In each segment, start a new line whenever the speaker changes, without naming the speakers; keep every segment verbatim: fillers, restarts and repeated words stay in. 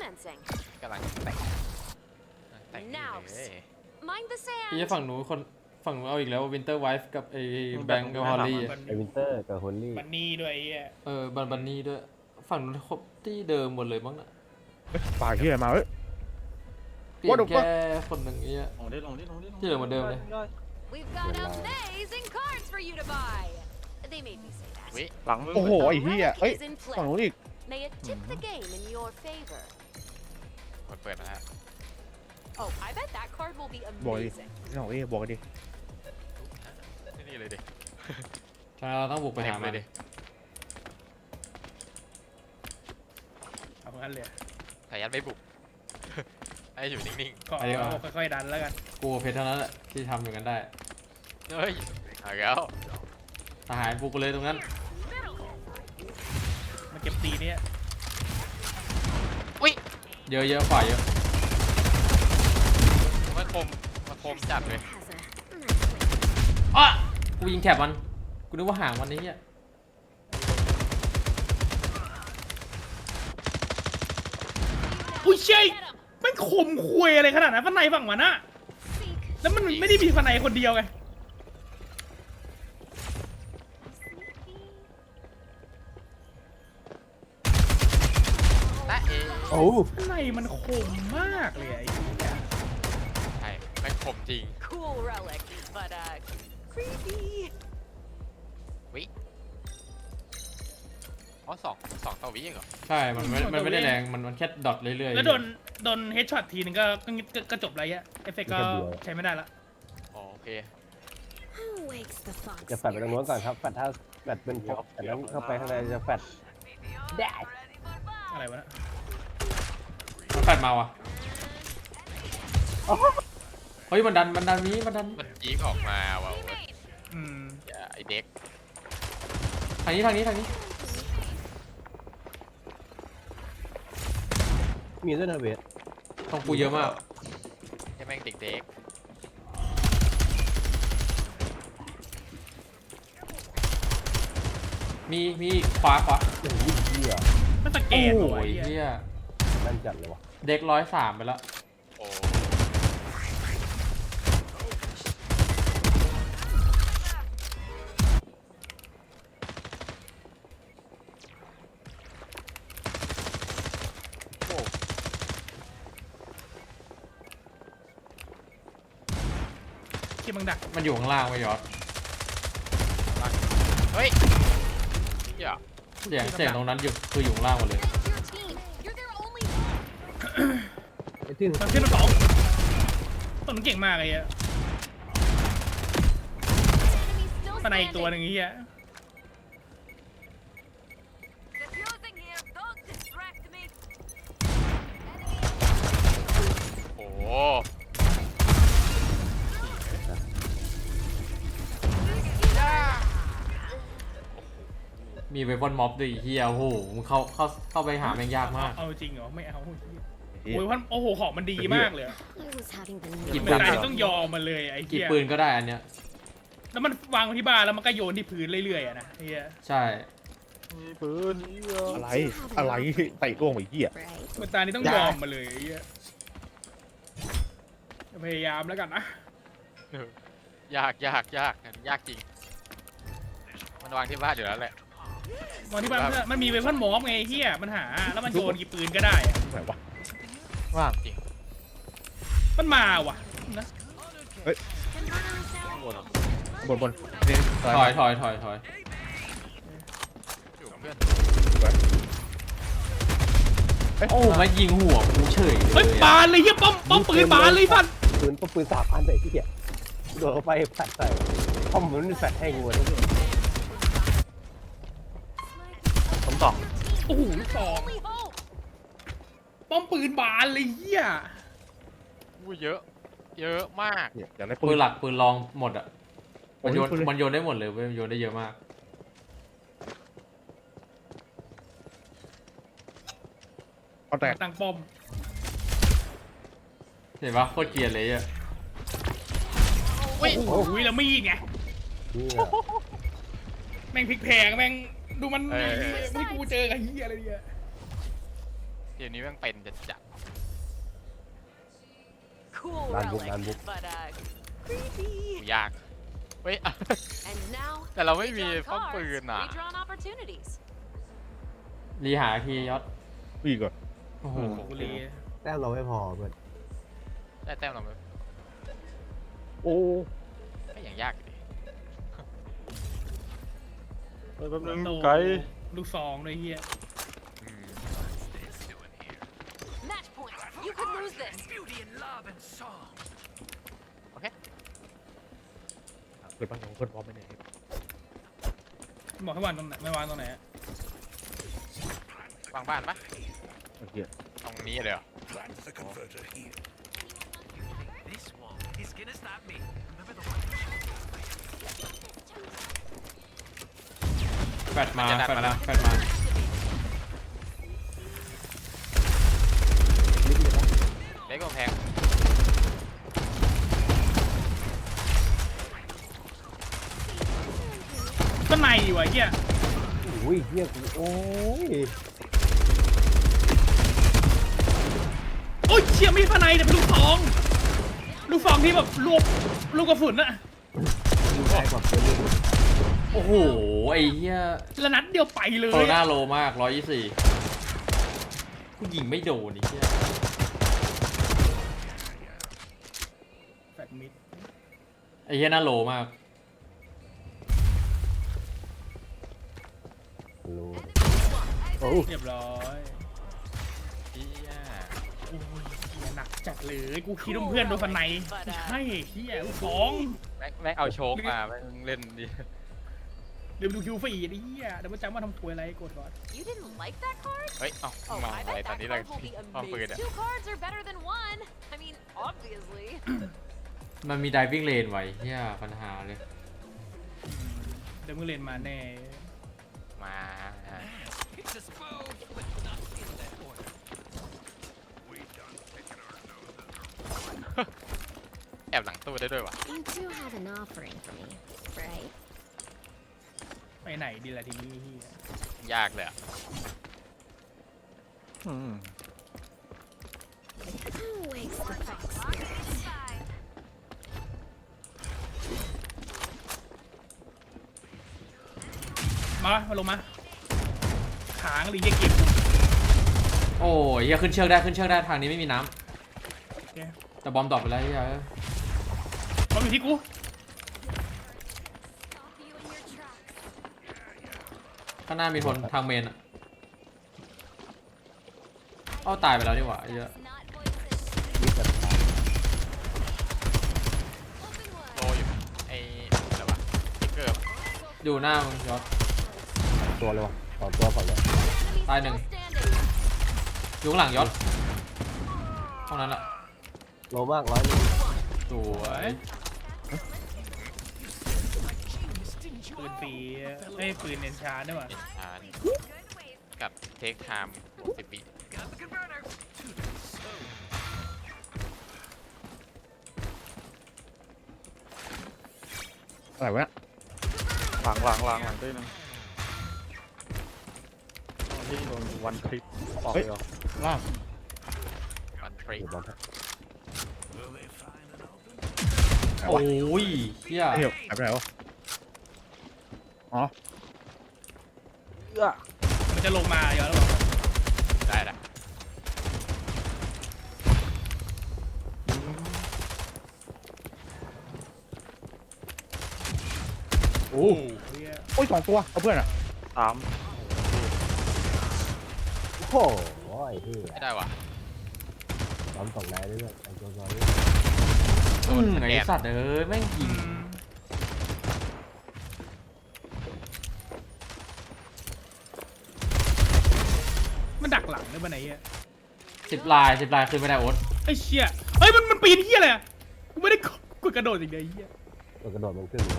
commencing.
กำลังแต่งแต่งนี่
Now,
เลย
mind the
พี่
sand.
ฝั่งหนูคนฝั่งหนูเอาอีกแล้ววินเตอร์ไวฟ์กับไอ้แบงก์กับฮอลลี่
มัน
ไอวินเตอร์กับโฮลลี่
มันนี่ด้วยไอ้เหี้ย
เออบันบันนี่ด้วย ฝั่งหนูครบที่เดิมหมดเลยมั้งน่ะ
ปากที่ไหนมาเอ้ย
เปลี่ย
What
น
the
แค่คนหนึ่งไอ้เงี้ย
ลงดิลงดิลงดิลง
ที่เหลือเหมือนเดิมเลย
We've got amazing cards for you to buy. They made me say that.
วิ
หลังโอ้โหไอ้เหี้ย
Relic
เอ้ย
is in
ฝั่งนู้น
play.
อีก
May it tip the game in your favor.
กดเปิดมาแล้ว
Oh, I bet that card will be
บอกดิ
amazing.
นี่ของเอ้ยบอกดิ
นี่เลยดิ
ใช่เราต้องบุกไปหา
เต็ม
มั
เล
น
ยดิ
เอางั้นเลย
สายันไม่บุก ให้อยู่นิ่ง
ก็เอาค่อยๆดันแล้วกัน
กูกับเพชรเท่านั้นแหละที่ทำอย่างนั้นได้
ๆเฮ้ยเอาแล้ว
ทหารบุกไปเลยตรงนั้น
มาเก็บตีเนี่ย
อุ้ย
เยอะเยอะฝ่ายเยอะ
มันคมมันคมจัดเลย
อ่ะกูยิงแคบมัน กูนึกว่าห่างมันนี้เนี่ย
อุ้ยเชี่ยมันขมคุยอะไรขนาดนั้นฟันในฝั่งมันอะแล้วมันไม่ได้มีฟันในคนเดียวไง
ตะเอ
โอ้
ฟันในมันขมมากเลยไอ้เหี้ย
ใช่แม่งคมจริง
Cool relic, but uh, creepy.
วิอ๋อสองสองต่อวิเองเหรอ
ใช่ มันไม่มันไม่ได้แรง มันมันแค่ดอทเรื่อยๆ
แล้วโดนโดนเฮดช็อตทีนึงก็ก็ก็ก็จบอะไรเงี้ยเอฟเฟกต์ก็ใช้ไม่ได้ละ
อ๋อโอเค
Who wakes the fox?
จะแฟดไปตรงโน้นก่อนครับแฟดถ้าแฟดเป็นพกแต่นั้นเข้าไปข้างในจะแฟดได้
อะไรวะนะ
มันแฟดมาว่ะเฮ้ยมันดันมันดันนี้มันดัน
มันยีกออกมาว่ะโอ้ย
อืม
อย่าไอเด็ก
ทางนี้ทางนี้ทางนี้
มีด้วยนะเวท
ตรงกูเยอะมาก
แค่แม่งเด็ก
มีมีอีกขวาขวา
โอ้ยเหี้ย
มันตะเก
โอ้
น
โห
ว่ะไอ้
เฮี
เหี้ย
ย
นั่นจัดเลยวะ
เด็กร้อยสามไปแล้ว
ๆโอ้ โอ้
ที่มึงดัก
มันอยู่ข้างล่างไว้ยอด
เฮ้ยอย่า
เสียงเสียงตรงนั้นอยู่คืออยู่ข้างล่างหมดเลย
Get your team. You're their only hope.
ไอ้ที่
มันขึ้นมาสองต้นมันเก่งมากไอ้เหี้ย
Enemy still
ฟันในอีกตัวห
standing.
นึ่งไอ้เหี้ย
Diffusing here. Don't distract me.
โอ้
มีเวฟอนม็อบด้วยไอ้เฮียโอ้โหมึงเข้าเข้าเข้าไปหาแม่งยากมาก
เอาจริงเหรอไม่เอาโอ้ยพันโอ้โหของมันดีมากเลยอะ
I was having the
หยิบ
ไม่
ปืน
ได้
ก่อน
ต้องยอมมันเลยไอ้
กี่
เหี้ย
ปืนก็ได้อันเนี้ย
แล้วมันวางไว้ที่บ้านแล้วมันก็โยนที่พื้นเรื่อยๆอะนะไอ้เหี้ย
ใช่
มีปืน
อะไรอะไรไต่ร่วงไอ้เหี้ย
right.
เมื่อตานี้ต้องยอมมาเลยไอ้เหี้ยพยายามแล้วกันนะ
ยากยากยากอันนี้ยากจริง มันวางที่บ้านอยู่แล้วแหละ
มองที่บ้านเพื่อนมันมีเวพันหมอมไงไอ้เหี้ยมันหาแล้วมันโยนกี่ปืนก็ได้อะ
ไหนวะ
ว่างจริง
มันมาว่ะนะ
บนบนนี่
ถอยถอยถอยถอย
อยู่กับเพื่อน
โอ้มายิงหัวกูเฉยเล
เฮ้ย
ย
บานเลยเหี้ยป้อมป้อมปืนบานเลยพัน
ปืนปืนสามอันใส่ที่เหี้ยโดดเข้าไปแฟดใส่คอมมันแฟดให้กูเลย
ผมสอง
โอ้โหลูกสอง
Only hope.
ป้อมปืนบานเลยเหี้ย
อู้เยอะ เยอะมาก
เนี่ยอยากได้
ปื
ปื
น
น
หลักปืนรองหมดอ่ะ มันโยน
ปืนเลย
มันโยนได้หมดเลยเว้ยมันโยนได้เยอะมาก
เอาแตก
ตั้งป้อม
เห็นปะโคตรเกลียดเลยอ่ะ
อุ้ย
โอ้โหแล้วมีดไง
นี่อะ
แม่งพลิกแพงแม่งดูมันไม่กูเจอกับเหี้ยอะไรเนี่ย
เดี๋ยวนี้แม่งเป็นจัดจัด
Cool
Nan book,
relic,
nan book.
but uh, creepy.
ยากเฮ้ย
And now,
แต่เราไม่มี
redrawn
ป้อม
cards,
ปืนอ่ะ
redrawn opportunities.
รีหาทียศ
พี่ก่อน
โอ้โห
กูรี
แต้มเราไม่พอเพื่อน
ได้แต้มเราไหม
โอ้
ก็ยังยากอยู่ดิ
เฮ้ยแป๊บนึง
โต
ไกล
ลูกซองเลยเฮีย
อืม
Match point. You could lose this.
เปิดบ้านของเพื่อนพร้อมไหมเนี่ย
บอกให้วางตรงไหนไม่วางตรงไหนอะ
วางบ้านปะ
ไอ้เหี้ย
ตรงนี้เลยเหรอ
แฟดมาแฟดมาแฟดมา
เล็กกว่าแพง
ก็ในอยู่ไอ้เฮีย
โอ้ยเฮียกูโอ้ย
โอ้ยเชี่ยไม่ใช่ภายในแต่เป็นลูกซอง ลูกซองที่แบบรวบลูกกระสุนอะ
ดูได้กว่าเพื่อนลูก
โอ้โหไอ้เหี้ย
แล้วนัดเดียวไปเล
โคโร
ย
นา
อะ
โลมากร้อยยี่สี่กูยิงไม่โดนไอ้เหี้ย
แฟดมิด
ไอ้เหี้ยน่าโลมาก
รู้โอ้
เรียบร้อย
เฮีย
โอ้ยเฮียหนักจัดเลยกูคิดว่าเพื่อนโดนฟันในใช่เฮียลูกซอง
แม่งแม่งเอาโชคมาแม่งเล่นดิ
เดี๋ยวดูคิวฟรีดิเฮียเดี๋ยวมาจำว่าทำควยอะไรกดก่อน
You didn't like that card?
เฮ้ย เอ้า
Oh,
มอง
I
อะไร
bet
ตอน
that
นี้เลย
card will be
ป้อมปืน
amazing.
อ่ะ
Two cards are better than one. I mean, obviously.
มันมี diving lane ไว้เหี้ยปัญหาเลย
เดี๋ยวมึงเล่นมาแน่
มา แอบหลังตู้ได้ด้วยวะ
You do have an offering for me, right?
ไปไหนดีล่ะทีนี้เฮีย
ยากเลยอ่ะ
อืม
Who wakes the fox spirits?
มามาลงมาขางหรือเหี้ยเก็บ
โอ้ยเหี้ยขึ้นเชือกได้ขึ้นเชือกได้ทางนี้ไม่มีน้
โอเค
ำแต่บอมดรอปไปแล้วเหี้ย
มาอยู่ที่กู
Stop you in your tracks.
ข้างหน้ามีคนทางเมนอะเอ้าตายไปแล้วดีกว่าไอ้เหี้ย
Not voices.
มีแต่ตาย
Open
โต
wide.
อยู่ไอ้อะไรวะสติ๊กเกอร์ปะ
อยู่หน้ามึงยศ
ตัวเลยวะสองตัวก่อนเลย
Enemy
Tay
still
đừng.
standing.
อยู่ข้างหลังยศห้องนั้นอะ
โลมากร้อยหนึง
สวย
ปืนปีไอ้ยปืนเนนชาร์ด้วยว่ะ
เป็นชาร์จกับเทคไทม์สิบวิ
อะไรวะเนี่ย
หลังหลังหลังหลังด้วยนึงที่โดนวันคลิปออกเลยเหรอ
ล่าง
วันทรี
เดี๋ยวบอล
โอ้ยเหี้ย
ไอ้เหี้ยหายไปไหนวะอ๋อ
มันจะลงมาเดี๋ยวแล้วบอก
ได้ละ
โอ้เฮีย
โอ้ยสองตัวเอาเพื่อนอ่ะ
สาม
โอ้โหไอ้เหี้ย
ไม่ได้วะ
ซ้อมสองนายด้วยไอ้ตัวซอย
โด
อื
น
ม
ส
ไอ้
แกน
สัตว์เอ้ยแม่งยิ
อื
ง
มมันดักหลังด้วยปะไหนเฮีย
สิบลายสิบลายขึ้นไม่ได้โอ๊ต
ไอ้เชี่ยเฮ้ยมันมันปีนเฮียอะไรอะกูไม่ได้กดกระโดดอย่างเดียวไอ้เฮีย
ตัวกระโดดมันขึ้นเลย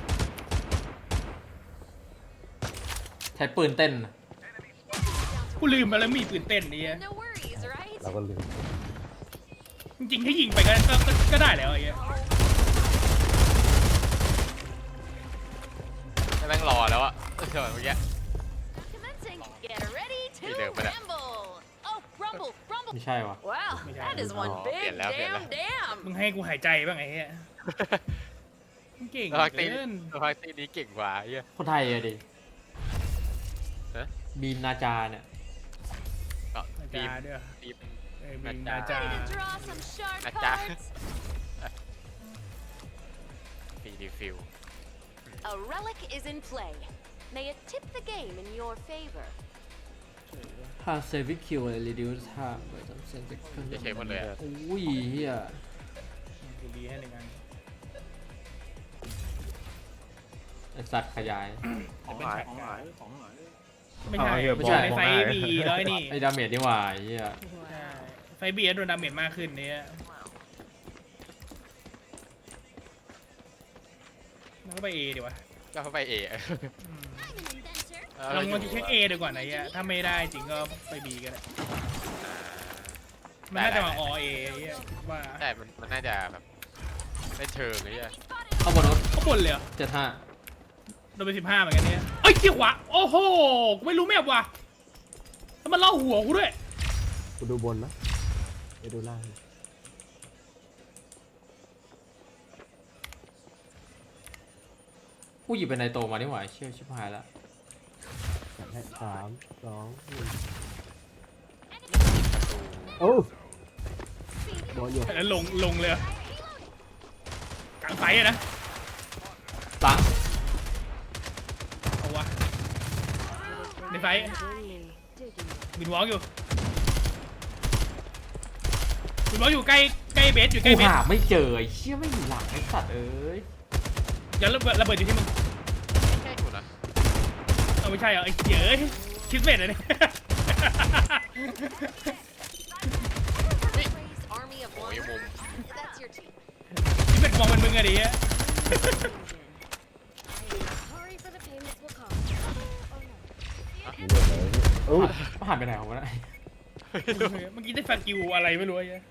ใช้ปืนเต้น
กูลืมไปแล้วมีปืนเต้นนี่เฮีย
No worries, right?
เราก็ลืม
จริงๆถ้ายิงไปก็ก็ก็ก็ได้แล้วไอ้เฮีย
แม่งรอแล้วอะเจอเมื่อกี้
Commencing. Get ready to
Đi được, bên này.
rumble. Oh, rumble
ไม่ใช่วะ
Well, that is one
Oh,
big
bien la, bien la.
damn damn.
มึงให้กูหายใจบ้างไอ้เหี้ยมึงเก่ง
สภาพตี
เกิน
สภาพตีนี้เก่งกว่าไอ้เหี้ย
คนไทยอะดิ
ฮะ
บีมนาจาเนี่ย
ก็
นา
ที
จาม ด้วย
ทีม
เอ้ยบิง
นา
นา
จา
จา
Ready to draw some sharp
Nè cha.
cards?
ฟีดีฟิล
A relic is in play. May it tip the game in your favor.
ถ้าเซฟิคิวเลยรีดิวส์ห้าไปจำเซนเซ็ก
จะเฉยหมดเลยอะ
อุ้ยเฮีย
กูดีให้หนึ่งอัน
ไอสัตว์ขยาย
ของหายของหายของหาย
ไม่ใช่
เอาเหี้ย
ไม่ใช่
ในไฟ
บอกได้
บีแล้วไอ้นี่
ไอดาเมจนี่หว่าไอ้เฮีย
ใช่ไฟบีโดนดาเมจมากขึ้นเนี่ยมันก็ไปเอดีวะ
ก็เข้าไปเอ
I'm an inventor.
ลองมาเช็คเอดีกว่าไหนอ่ะถ้าไม่ได้จริงก็ไปบีก็ได้มันน่าจะมาอเอว่า
แต่มันมันน่าจะแบบได้เชิงไอ้เหี้ย
เข้าบนรถ
เขาบนเลยเหรอ
เจ็ดห้า
โดนไปสิบห้าเหมือนกันเนี่ยเอ้ยเกี่ยวขวาโอ้โหกูไม่รู้แมพว่ะแล้วมันล่อหัวกูด้วย
กูดูบนนะไปดูล่าง
กูหยิบเป็นไนโตมานี่หว่าเชี่ยวชิบหายละ
จัดให้สามสองหนึ่งโอ้บอลอยู่
แล้วลงลงเลยเหรอ กลางไฟอะนะ
ตัง
เอาวะในไฟบินวอล์กอยู่บินวอล์กอยู่ใกล้ใกล้เบสอยู่ใกล้
กู
เบส
หาไม่เจอไอ้เชี่ยไม่มีหลังไอ้สัตว์เอ้ย
เดี๋ยวระเบิดระเบิดอยู่ที่มึง
ใช่กูนะ
เอาไม่ใช่เหรอไอ้เหี้ยเอ้ยคิดเบสเลยเนี่ย
Praise army of
โอ้
one.
ยมุม
That's your team.
คิดเบสมองเป็นมึงอะดิ
Sorry for the pain this will cause. Oh no.
มีเรื่องอะไรโอ้
ผ่านไปไหนของมันอะ
เมื่อกี้ได้ฟากิวอะไรไม่รู้ไอ้เหี้ย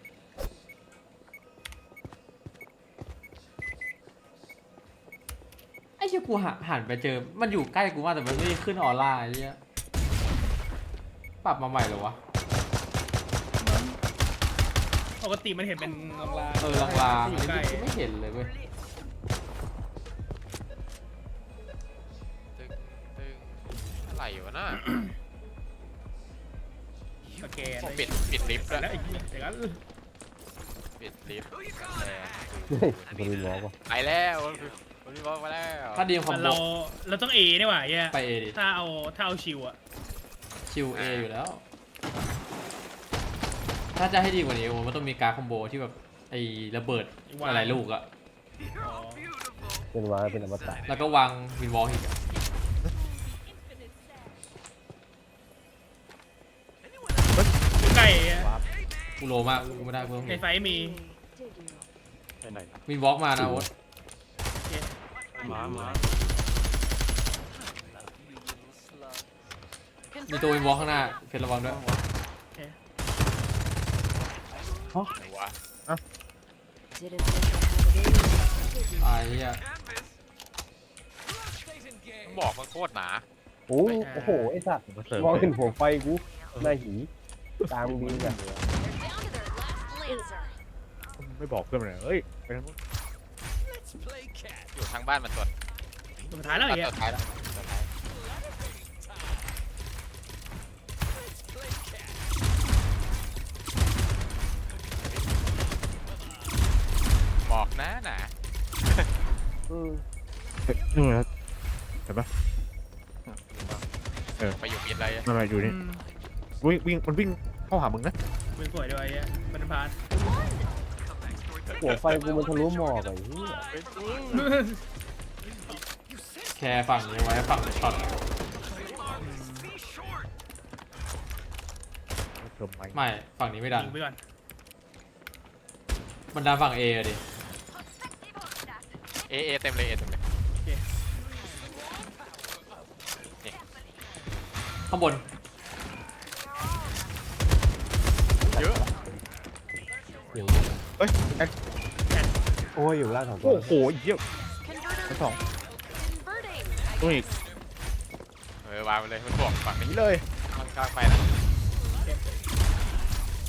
ไอ้เชี่ยกูหาหันไปเจอมันอยู่ใกล้กูมากแต่มันไม่ได้ขึ้นออร่าไอ้เชี่ยปรับมาใหม่เหรอวะ
ปกติมันเห็นเป็นลางๆ
เออลางๆ
อ
อัน
ยู่ใกล้
นี้กูไม่เห็นเลยเว้ย
ตึงตึงอะไรวะน่ะ
สแกน
ปิดปิดลิฟต์
แล้
แล้ว ว
ไอ้เหี้ยเดี๋ยวกัน
ปิดลิฟต์
เฮ้ยบริวารวะ
ไปแล้ววันนี้บอกมาแล้ว
ถ้าดีมคอมโบ
เราเราต้องเอนี่หว่าไอ้เหี้ย
ไปเอดิ
ถ้าเอาถ้าเอาชิวอะ
ชิวเออยู่แล้ว ถ้าจะให้ดีกว่านี้โอ้มันต้องมีการคอมโบที่แบบไอ้ระเบิดอะไรลูกอะ
อ๋อ
เป็นวาเป็นอมตะ
แล้วก็วางวินวอลอีกอะ
อยู่ใกล้ไอ้เหี้ย
กูโลมากกูไม่ได้กูต้อง
ในไฟมี
ไปไหน
วินวอลมานะโอ๊ต
มามา
มีตัววินวอลข้างหน้าเพชรระวังด้วย
ไหนวะ
Didn't think I had it in me.
ตายเฮีย
ต้องบอกมันโคตรหนา
โอ้โอ้โหไอ้สัตว์
มาเสริม
มองเห็นหัวไฟกูหน้าหีกลางบินอะ
They're down to their last lancer.
ไม่บอกเพื่อนเลยเฮ้ยไปทางนู้น
อยู่ทางบ้านมันตัว
สุดท้ายแล้วไอ้เหี้ย
ตัวท้ายแล้วตัวท้ายบอกนะน่ะ
อืม
เฮ้ยนู่นนะเห็นปะ
ไปอยู่กินอะไรอะ
นั่นแหละอยู่
อื
นี่
ม
วิ่งวิ่งมันวิ่งเข้าหามึงนะ
เป็นสวยด้วยไอ้เหี้ยมันพาน
หัวไฟกูมันทะลุหมอกไอ้เหี้ย
แคร์ฝั่งนี้ไว้ฝั่งช็อต
เติมไป
ไม่ฝั่งนี้ไม่ดัน
ยิงไปก่อน
มันดันฝั่งเออะดิ
เอเอเต็มเลยเอเต็มเลย
ข้างบน
เยอะ
อยู่
เฮ้ยแอด
โอ้ยอยู่ล่างสองตัว
โอ้โหเยี่ยม
Converter
ชั้นสอง
converting.
ตัวอีก
เออวางไปเลยมันบอกฝั่ง
หนี
นี้
เลย
มันกลางไปนะ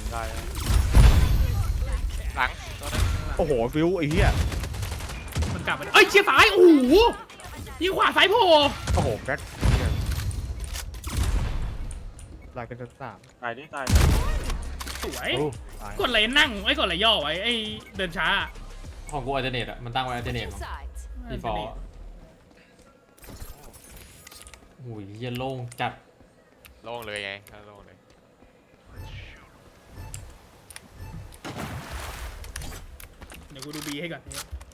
ได้
หลังตัวนึง
โอ้โหฟิวไอ้เหี้ย
มันกลับมาเอ้ยเชียร์ซ้ายโอ้โหยิงขวาซ้ายโผล่
โอ้โหแก๊กลายเป็นชั้นสาม
ตายดิตาย
สวย
โอ้
ตาย
กดอะไรนั่งไอ้ยกดอะไรย่อไว้ไอ้เดินช้า
ของกูอัลเทอร์เนทอะมันตั้งไว้อัลเทอร์เนท
Switching sides.
ดีฟอลต์โอ้ยเหี้ยโล่งจัด
โล่งเลยไงก็โล่งเลย
เดี๋ยวกูดูบีให้ก่อน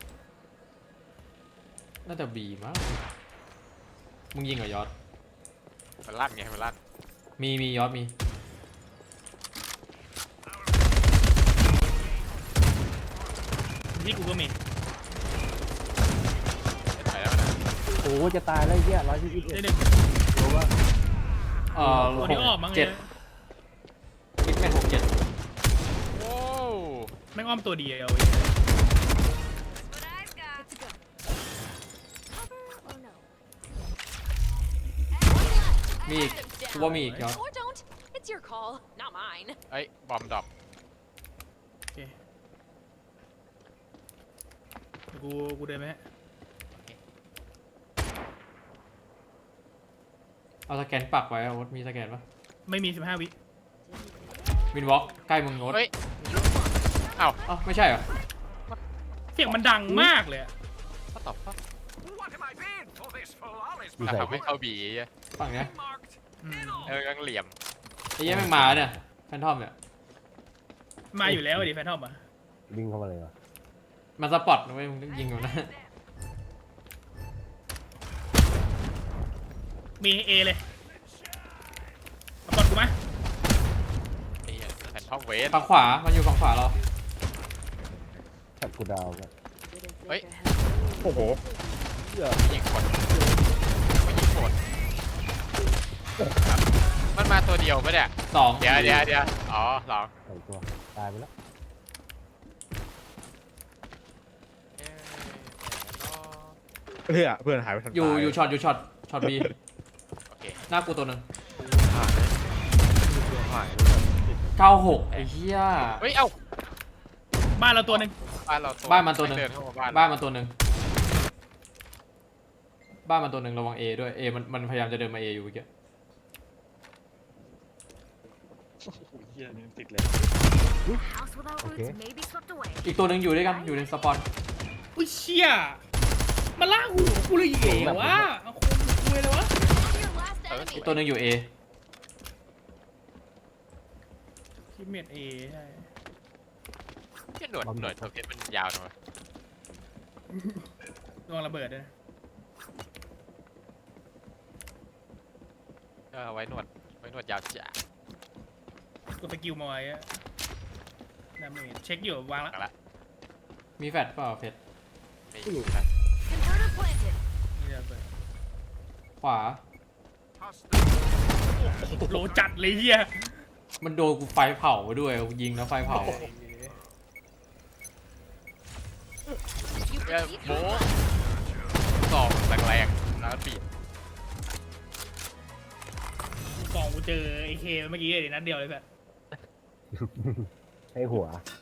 น่าจะบีมั้งมึงยิงเหรอยอด
มันลั่นไงมันลั่น
มีมียอดมี
ที่กูก็มี
ไปแล้วนะ
โหจะตายแล้วไอ้เหี้ยร้อยยี่สิบเอ็
ได้
ด
หนึ่ง
รู้ว่า
เอ่อ
ตัว
ห
นี้
ก
ออกมั้ง
เจ็ด
เนี่ย
คิดเป็นหกเจ็ด
โอ้
แม่งอ้อมตัวเดียว
That's what I've got.
Good to go. Cover or no?
มีอีกกูว่ามีอีกยอด
Or don't. It's your call, not mine.
เอ้ยบอมดรอป
โอเคเดี๋ยวกูกูเดินไหมฮะ
เอาสแกนปักไว้อะโอ๊ตมีสแกนปะ
ไม่มีสิบห้าวิ
วินวอล์กใกล้มึงโอ๊ต
เฮ้ยเอ้า
เอ้าไม่ใช่เหรอ
เสียงมันดังมากเลยอะ
ก็ตอบป่ะ
อยู่
แล้ว
ใส่
ทำให้เข้าบีอ่ะ
ฝั่งเนี้ย
อืม
เออกังเหลี่ยม
ไอ้เหี้ยแม่งมาเนี่ยแฟนทอมเนี่ย
มาอยู่แล้วดิแฟนทอมอ่ะ
วิ่งเข้ามาเลยวะ
มันสปอตนะเว้ยมึงยิงมันนะ
มีเอเลยเอาก่อนกูมา
ไอ้เหี้ยแผ่นทอมเวส
ฝั่งขวา มันอยู่ฝั่งขวาเรา
แท็บกูดาวกัน
เฮ้ย
โอ้โห
ยิงกดไม่ยิงกดมันมาตัวเดียวปะเนี่ย
สอง
เดี๋ยวเดี๋ยวเดี๋ยวอ๋อสอง
ใส่ตัวตายไปแล้ว
เอ๊ะ
เพื่อนเพื่อนหายไปทัน
อยู่
ตา
อยู่ช็อตอยู่ช็อตช็อตบี
โอเค
หน้ากูตัวหนึ่ง
หายเลยหายเลย
เก้าหกไอ้เหี้ย
เฮ้ยเอ้า
บ้านเราตัวหนึ่ง
บ้านเราตัว
บ้านมันตัวหนึ่ง
เดินเข้ามาบ้าน
บ้านมันตัวหนึ่งบ้านมันตัวหนึ่งระวังเอด้วยเอมันมันพยายามจะเดินมาเออยู่เมื่อกี้
โอ้โหเหี้ยนี่ติดเลย
House without roots may be swept away.
อีกตัวหนึ่งอยู่ด้วยกันอยู่ในสปอน
อุ้ยเชี่ยมาล่าหูกูเลยเอ๋วะเอาคนคุยเลยวะ
Your last
เออ
enemy.
อีกตัวหนึ่งอยู่เอ
คิดเมดเอใช่
ที่หนวดหนวดตัวเพชรมันยาวหน่อย
ระวังระเบิดด้วยนะ
เออไว้หนวดไว้หนวดยาวจ้ะ
กดสกิลมาไว้อะดาเมจเช็คอยู่วางละ
เอาละ
มีแฟดเปล่าเพชร
ไม่อยู่นะ
Converter planted.
นี่ระเบิด
ขวา
โหลจัดเลยเฮีย
มันโดนกูไฟเผาไปด้วยกูยิงแล้วไฟเผา
You
เอ้ย
proceed
โบ๊
through
สองแรงๆแล้วบีบ
กล่องกูเจอไอเคเมื่อกี้เลยนัดเดียวเลยแบบ
ให้หัว